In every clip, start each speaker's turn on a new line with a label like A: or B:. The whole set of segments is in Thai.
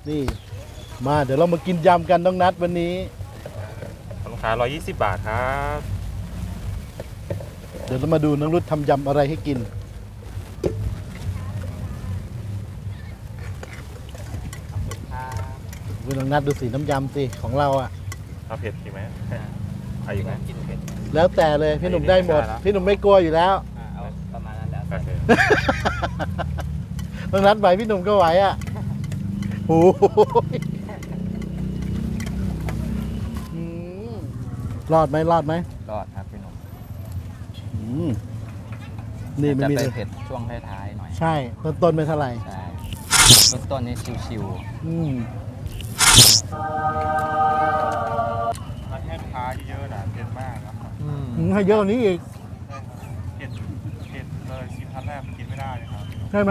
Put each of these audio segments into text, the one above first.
A: นี่มาเดี๋ยวเรามากินยำกันน้องนัดวันนี้
B: ลูกค้า120 บาทครับ
A: เดี๋ยวเรามาดูน้องรุดทำยำอะไรให้กินน้องนัดดูสีน้ำยำสิของเราอ่ะ
B: เอาเผ็ดอีกไหมเอาอีกไหมกินเผ็ด
A: แล้วแต่เลยพี่หนุ่มได้หมดพี่หนุ่มไม่กลัวอยู่แล้ว
C: เอาประมาณนั้นแล้ว
A: น้องนัดไหวพี่หนุ่มก็ไหวอ่ะโอ้รอดไหมรอดไหม
C: รอดครับพี่หนุ่ม
A: นี่มันมี
C: เผ็ดช่วงท้ายๆหน่อย
A: ใช่ต้นไม่เท่าไหร่
C: ใช่ต้นนี้ชิว
B: ร้านแค่ลูกค้าเยอะนะเผ็ดมากครับ
A: ให้เยอะกว่านี้อีก
B: เผ็ดเลยชิมครั้งแรกมันกินไม่ได้เลยครับ
A: ใช่ไหม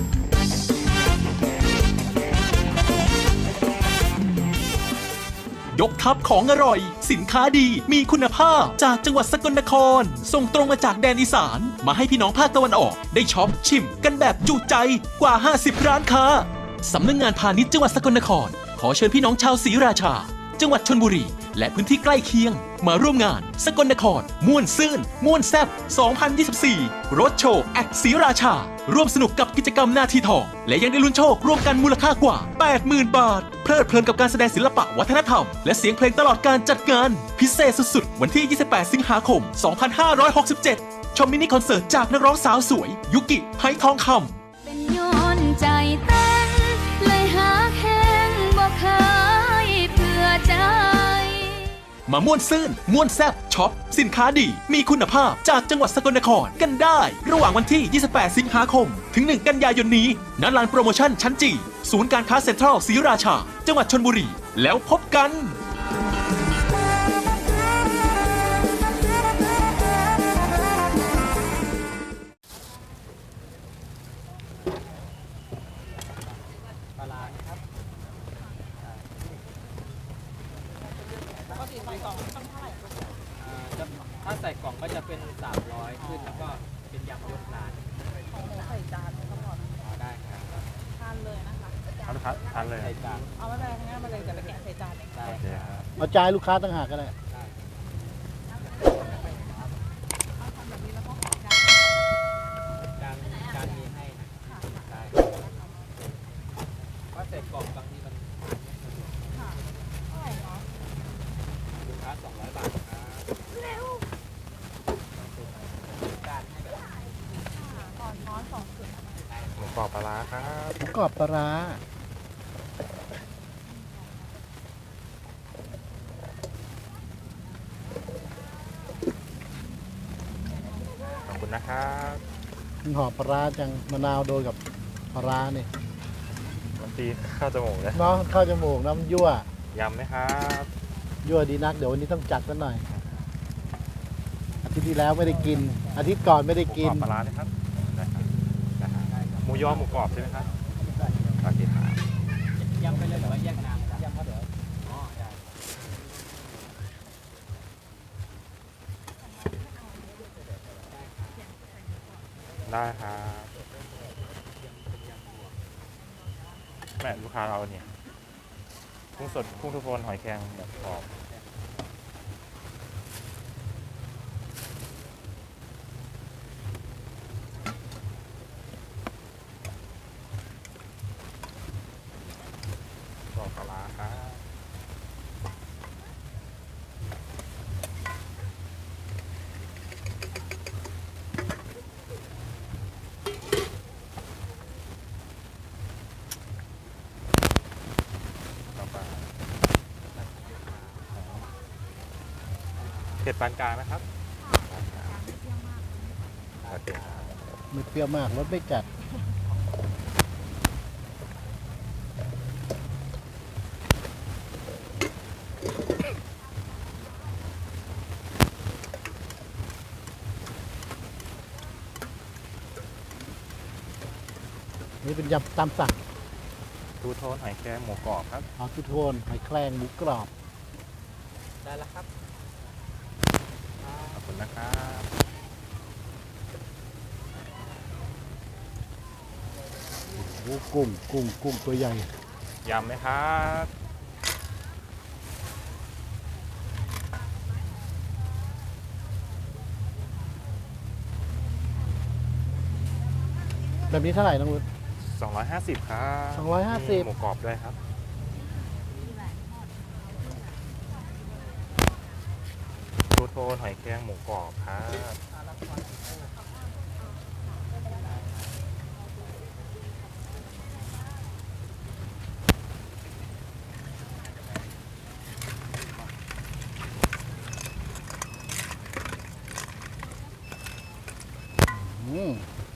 D: ยกทัพของอร่อยสินค้าดีมีคุณภาพจากจังหวัดสกลนครส่งตรงมาจากแดนอีสานมาให้พี่น้องภาคตะวันออกได้ช็อปชิมกันแบบจุใจกว่า50ร้านค้าสำนักงานพาณิชย์จังหวัดสกลนครขอเชิญพี่น้องชาวศรีราชาจังหวัดชลบุรีและพื้นที่ใกล้เคียงมาร่วมงานสกลนครม่วนซื่นม่วนแซ่บ2024รถโชว์แอดศรีราชาร่วมสนุกกับกิจกรรมหน้าที่ทองและยังได้ลุ้นโชครวมกันมูลค่ากว่า 80,000 บาทเพลิดเพลินกับการแสดงศิลปะวัฒนธรรมและเสียงเพลงตลอดการจัดงานพิเศษสุดๆวันที่28สิงหาคม2567ชมมินิคอนเสิร์ตจากนักร้องสาวสวยยุกิไหทองคำ
E: เป็นย้อนใจเต้นเลยหาแข้งบ่เคยเพื่อใจ
D: มาม่วนซื่นม่วนแซ่บช็อปสินค้าดีมีคุณภาพจากจังหวัดสกลนครกันได้ระหว่างวันที่28สิงหาคมถึง1กันยายนนี้ณลานโปรโมชั่นชั้นจีศูนย์การค้าเซ็นทรัลศรีราชาจังหวัดชลบุรีแล้วพบกัน
C: ถ้าใส่กล่องก็จะเป็น300ขึ้นแล้วก็เป็นยำยกร้าน
F: ใส่จานตลอด
C: ได้ครับ
F: ทานเลยนะคะ
B: ทานเลย
C: ใส่จาน
F: เอาไม่เป็นไรงั้นมาเลยจะไปแกะใส่จานเอง
C: ได้ครับ
A: เอาจานลูกค้าต่างหากก็ได้
C: จานมีให้นะได้ว่าใส่กล่องบางทีมันลูกค้า200 บาทครับเร็วการให้แบบ
F: ก่อนช้อน2 ถุง
B: หมูกรอบปลาร้าครับ
A: หมูกรอบปลาร้า
B: ขอบคุณนะครับ
A: หอมปลาร้าจังมะนาวโดนกับปลาร้าเนี่ย
B: มันตีข้าวจมูกเลย
A: เนาะเข้าจมูกน้ำยั่วย
B: ำไหมครับ
A: ยั่วดีนักเดี๋ยววันนี้ต้องจัดกันหน่อยอาทิตย์ที่แล้วไม่ได้กินอาทิตย์ก่อนไม่ได้กิน
B: ปลาร้านะครับหมูยอหมูกรอบใช่ไหมครับโอเคครับ
C: ยำไปเลยหรือว่าแยกน้ำยำครับเดี๋ยวอ๋อ
B: ได้ครับแม่ลูกค้าเราเนี่ยกุ้งสดกุ้งทุกคนหอยแครงแบบกรอบปลาร้าครับเผ็ดปานกลางนะครับ
A: ไม่เปรี้ยวมากรสไม่จัดนี่เป็นยำตามสั่ง
B: ทูโทนหอยแครงหมูกรอบครับ
A: เอาทูโทนหอยแครงหมูกรอบ
C: ได้แล้วครับ
B: ขอบคุณนะครับ
A: โอ้กุ้งตัวใหญ่
B: ยำไหมครับ
A: แบบนี้เท่าไหร่น้องรุด
B: 250ครับ
A: 250
B: มีหมูกรอบด้วยครับทูโทนหอยแครงหมูกรอบครับ
A: อืม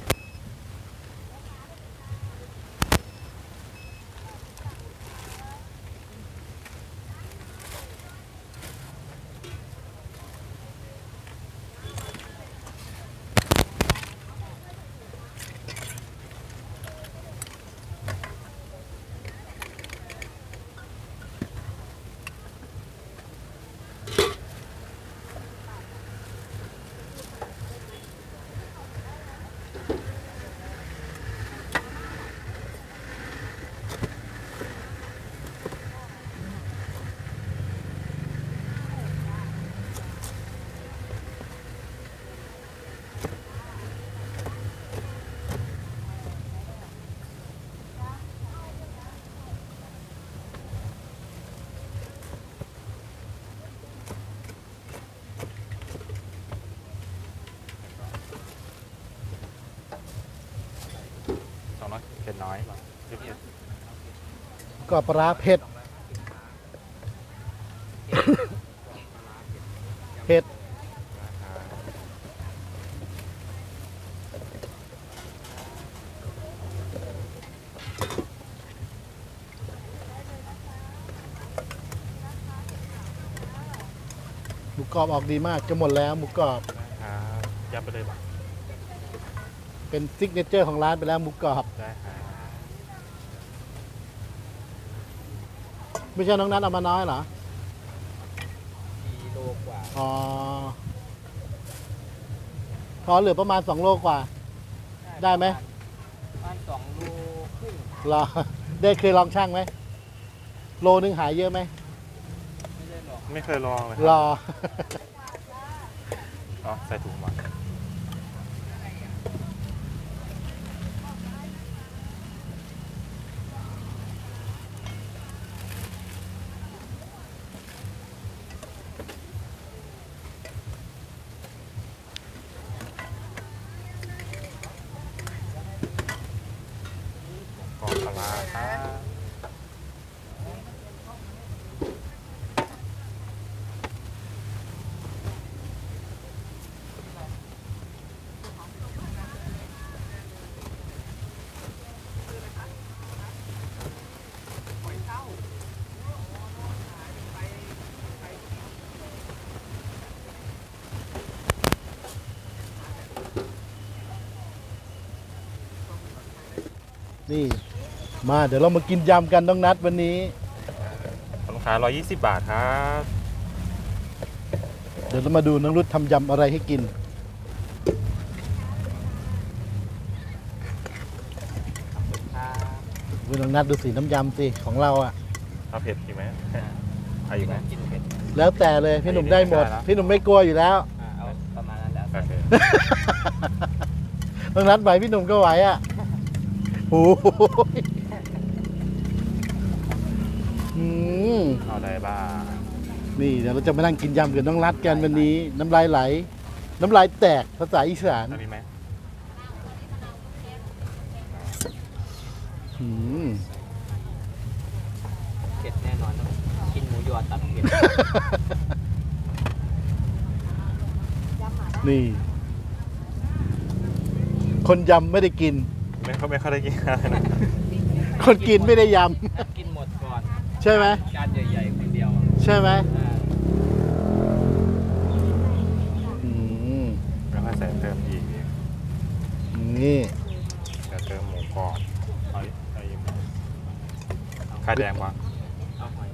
B: 200เป็นน้อยเผ็ด
A: ก็ปลาร้าเผ็ด เผ็ด หมูกรอบออกดีมากจะหมดแล้วหมูกรอบ
B: ครับยับไปเลยบ่ะ
A: เป็นซิกเนเจอร์ของร้านไปแล้วหมูกรอบ
B: ได้ครับ
A: ไม่ใช่น้องนัทเอามาน้อยเหรอ
C: กิโลกว่า
A: อ๋อ พอเหลือประมาณ2 โลกว่า ได้ไหม
C: ประมาณ2 โลครึ่ง
A: รอ ได้เคยลองช่างไหม โลนึงหายเยอะไหม
C: ไม่ได้หรอก
B: ไม่เคยลองเลย
A: รอ
B: อ๋อใส่ถุงมาหมูกรอบปลาร้าครับ
A: นี่ มาเดี๋ยวเรามากินยำกันน้องนัดวันนี้
B: ลูกค้า120 บาทครับ
A: เดี๋ยวเรามาดูน้องรุดทำยำอะไรให้กิน
C: ครับ
A: น้องนัดดูสีน้ำยำสิของเราอ่ะ
B: เอาเผ็ดอีกไหมเอาอีกไหม
C: กินเผ็ด
A: แล้วแต่เลยพี่หนุ่มได้หมด
B: ได้แล้ว
A: พี่หนุ่มไม่กลัวอยู่แล้ว
C: เอาประมาณนั้นแล้ว
B: โอเค
A: น้องนัดไหวพี่หนุ่มก็ไหวอ่ะโอ้โหอืม
B: เอาอะไรบ้าง
A: นี่เดี๋ยวเราจะมานั่งกินยำกับน้องรัดกันวันนี้ น้ำลายไหล น้ำลายแตกภาษาอีสาน
B: อันนี้ไหม
A: อืม
C: เผ็ดแน่นอนต้องกินหมูยอตัดเผ็ด
A: นี่ คนยำไม่ได้กิน
B: ไม่ค่อยได้กินอะไรนะ
A: คนกินไม่ได้ย
C: กินหมดก่อน
A: ำใช่ไหม
C: จานใหญ่ๆคนเดียว
A: ใช่ไหม
C: อ่า
A: อืม
B: แล้วก็ใส่เติมอีก
A: นี่
B: เดี๋ยวเติมหมูกรอบเอาอีกไข่แดงวาง
C: เอาหอย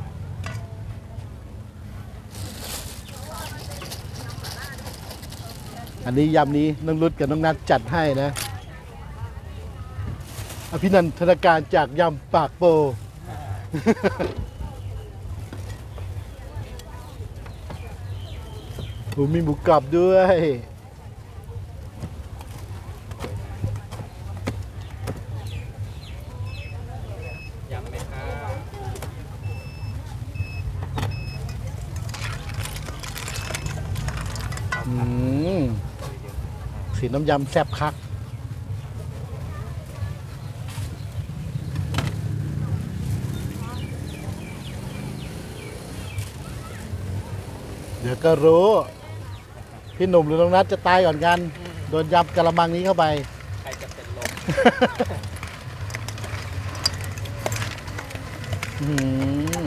A: อันนี้ยำนี้น้องรุดกับน้องนัดจัดให้นะ อภินันทนาการจากยำปากโปโอ้มีหมูกรอบด้วย
C: ยำไหมครับ
A: สีน้ำยำแซ่บคัก เดี๋ยวก็รู้ พี่หนุ่มหรือน้องนัทจะตายก่อนกัน โดนยำกะละมังนี้เข้าไป
C: ใครจะเป็นลม
A: อืม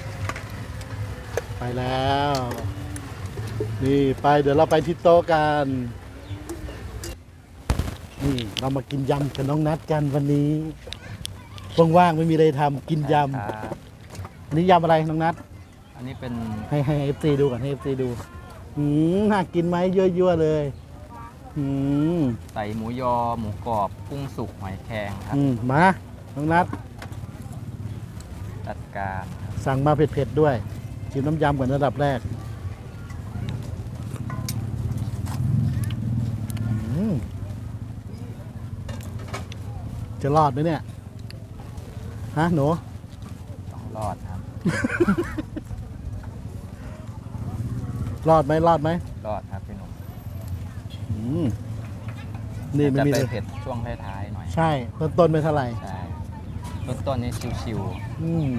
A: ไปแล้ว นี่ไปเดี๋ยวเราไปที่โต๊ะกัน นี่เรามากินยำกับน้องนัดกันวันนี้ว่างๆไม่มีอะไรทำกินยำอันนี้ยำอะไรน้องนัด
C: อันนี้เป็น
A: ให้เอฟซีดูก่อนให้เอฟซีดูน่ากินไหมยั่วๆเลยอืม
C: ใส่หมูยอ หมูกรอบ กุ้งสุก หอยแครงครับ
A: มาน้องนัด
C: จัดการครับ
A: สั่งมาเผ็ดๆด้วยชิมน้ำยำก่อนระดับแรกจะรอดไหมเนี่ย ฮะหนู
C: ต้องรอดครับ
A: รอดไหมรอดไหม
C: รอดครับพี่หนุ่ม
A: อืมนี่ไม่
C: จะ
A: มี
C: ไป
A: เลย
C: เผ็ดช่วงท้ายๆหน่อย
A: ใช่ต้นๆไม่เท่าไหร่
C: ใช่ต้นๆนี่ชิว
A: อืม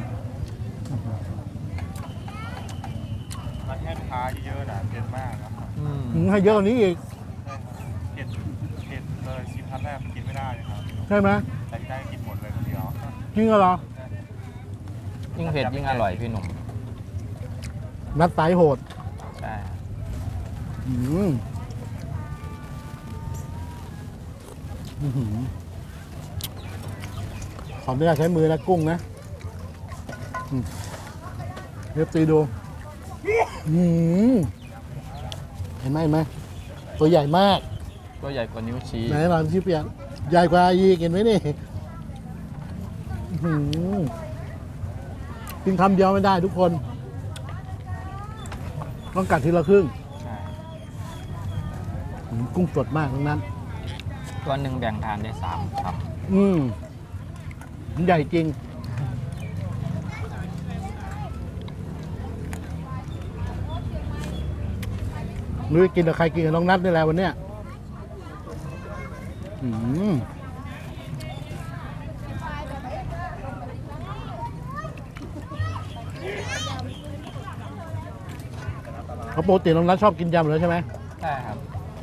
B: ร้านแค่ลูกค้าเยอะๆนะเผ็ดมากครับ
C: ๆ
A: ให้เยอะกว่านี้อีก
B: เผ็ดเลยชิมครั้งแรกกินไม่ได้เลยครับ
A: ใช่ไหม
B: แต่ที่ได้กินหมดเลยคนเดียว
A: จริงเหรอ
C: ยิ่งเผ็ดยิ่งอร่อยพี่หนุ่ม
A: นัดสายโหด
C: ใช่ครับ
A: อืมอื้อหือขอไม่ได้ใช้มือนะกุ้งนะเรียบตีดูเห็นไหมเห็นไหมตัวใหญ่มาก
C: ตัวใหญ่กว่านิ้วชี้
A: ไหนลองชิเปียนใหญ่กว่าอีกเห็นไหมนี่อื้อหือกินคำเดียวไม่ได้ทุกคน ต้องกัดทีละครึ่ง
C: ใช่
A: กุ้งสดมากทั้งนั้น
C: ตัวหนึ่งแบ่งทานได้3ค
A: มันใหญ่จริง นุ้ยกินกับใครกินกับน้องนัทนี่แหละวันเนี้ยเขาปกติน้องนัทชอบกินยำเลยใช่ไหม
C: ำใช่ครับ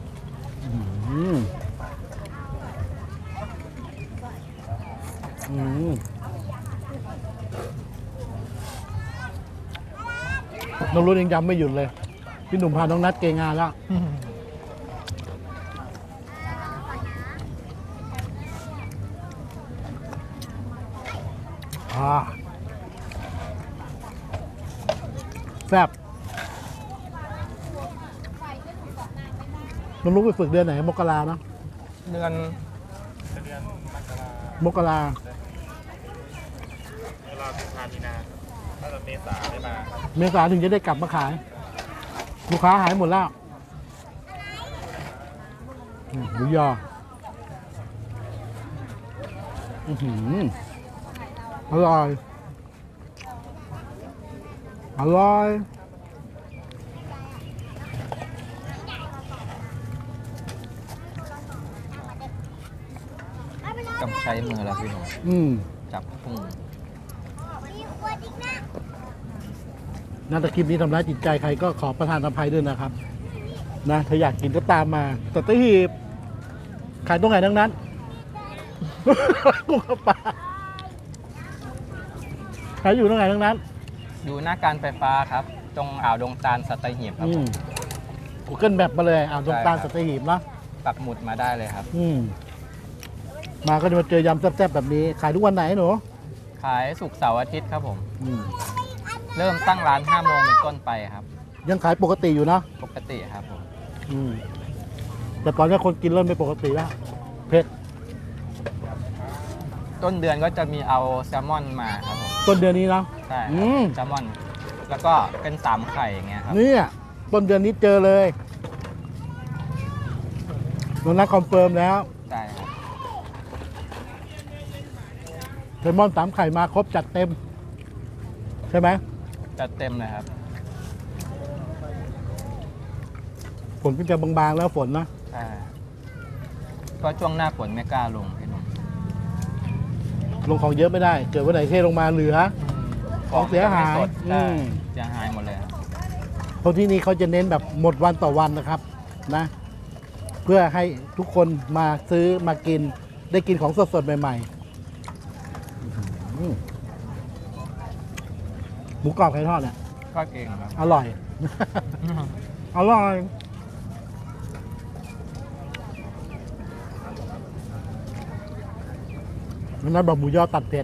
A: น้องรุ่นยังยำไม่หยุดเลย พี่หนุ่มพาน้องนัทเกงานแล้ว แซ่บน้องลูกไปฝึกเดือนไหน มกราเนาะ
C: เดือน
B: เดือนมกราม
A: กรา
B: เวลากุมภามีนาถ้าจะเมษาได้มาครับ
A: เมษาถึงจะได้กลับมาขาย ลูกค้าหายหมดแล้วหมูยออร่อย อร่อย
C: ต้องใช้มือแล้วพี่หนุ่ม จับกุ้ง
A: น่าจะคลิปนี้ทำร้ายจิตใจใครก็ขอประทานอภัยด้วยนะครับ นะถ้าอยากกินก็ตามมาสัตหีบขายตรงไหนทั้งนั้น กุ้งกับปลาขายอยู่ตรงไหนทั้งนั้น
C: อยู่หน้าการไฟฟ้าครับ ตรงอ่าวดงตาลสัตหีบครับผม
A: Google แบบมาเลยตรงตาล
C: ใช่ครั
A: สั
C: บ
A: ตหีบเนาะ
C: ปักหมุดมาได้เลยครับ
A: มาก็จะมาเจอยำแซ่บๆแบบนี้ ขายทุกวันไหนหนู
C: ขายศุกร์เสาร์อาทิตย์ครับผม
A: อืม
C: เริ่มตั้งร้าน5 โมงเป็นต้นไปครับ
A: ยังขายปกติอยู่เนาะ
C: ปกติครับผม
A: แต่ตอนนี้คนกินเริ่มไม่ปกติแล้วเผ็ด
C: ต้นเดือนก็จะมีเอาแซลมอนมาครับผม
A: ต้นเดือนนี้เนาะ
C: ใช่ค
A: อื
C: รับ
A: ม
C: แซลมอน แล้วก็เป็น3ไข่อย่างเงี้ยครับ
A: เนี่ยต้นเดือนนี้เจอเลยน้องนัทคอนเฟิร์มแล้ว
C: ใช่ครับ
A: แซลมอน3 ไข่มาครบจัดเต็ม ใช่ไหม
C: จัดเต็มเลยครับ
A: ฝนก็จะบางๆแล้วฝนนะ
C: ใช่ก็ช่วงหน้าฝนไม่กล้าลงพี่หนุ่ม
A: ลงของเยอะไม่ได้ เกิดวันไหนเทลงมาเหลือ ของเสียหาย
C: สด
A: อื
C: ใช่
A: ม
C: เสียหายหมดเลยครับ
A: เพราะที่นี่เขาจะเน้นแบบหมดวันต่อวันนะครับนะ เพื่อให้ทุกคนมาซื้อมากิน ได้กินของสดๆ ใหม่ๆอื้อหือหมูกรอบไข่ทอดเนี่ย
C: ก็เก่งครับ
A: อร่อย อร่อยนั่นแบบหมูยอตัดเผ็ด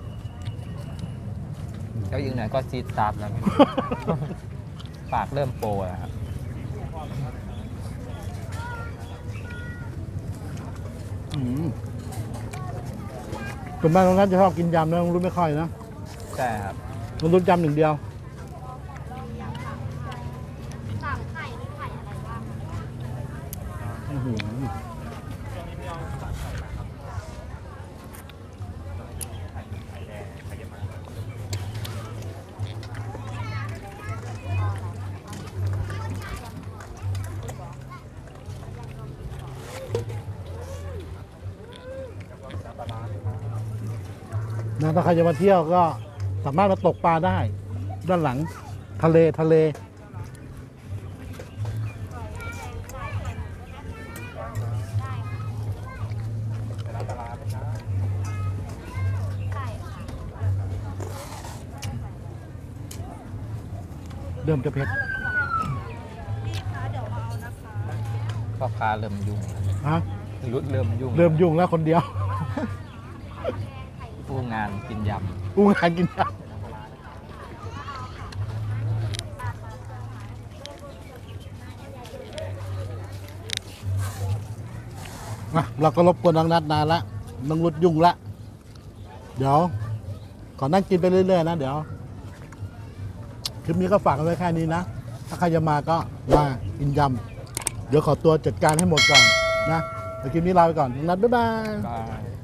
C: แล้วอีกหน่อยก็ซีดซาบแล้วพี่ ปากเริ่มโปรแล้วครับ
A: ส่วนมากน้องนัทจะชอบกินยำนะน้องรุ่นไม่ค่อยนะ
C: ใช่ครับ
A: น้องรุ่นยำหนึ่งเดียวอื้อหือนะถ้าใครจะมาเที่ยวก็สามารถมาตกปลาได้ ด้านหลังทะเล เริ่มจะเผ็ด
C: ก็ค้าเริ่มยุ่ง
A: ฮะ
C: รุดเริ่มยุ่ง
A: เริ่มยุ่งแล้วคนเดียว
C: ผู้งานกินย
A: อู้งานกินยำมาเราก็รบกวนน้องนัดนานละน้องรุดยุ่งละ เดี๋ยว ขอนั่งกินไปเรื่อยๆนะ เดี๋ยว คลิปนี้ก็ฝากกันไว้แค่นี้นะ ถ้าใครจะมาก็มากินยำ เดี๋ยวขอตัวจัดการให้หมดก่อนนะ เดี๋ยวคลิปนี้ลาไปก่อนน้องนัดบ๊ายบาย
C: ำก็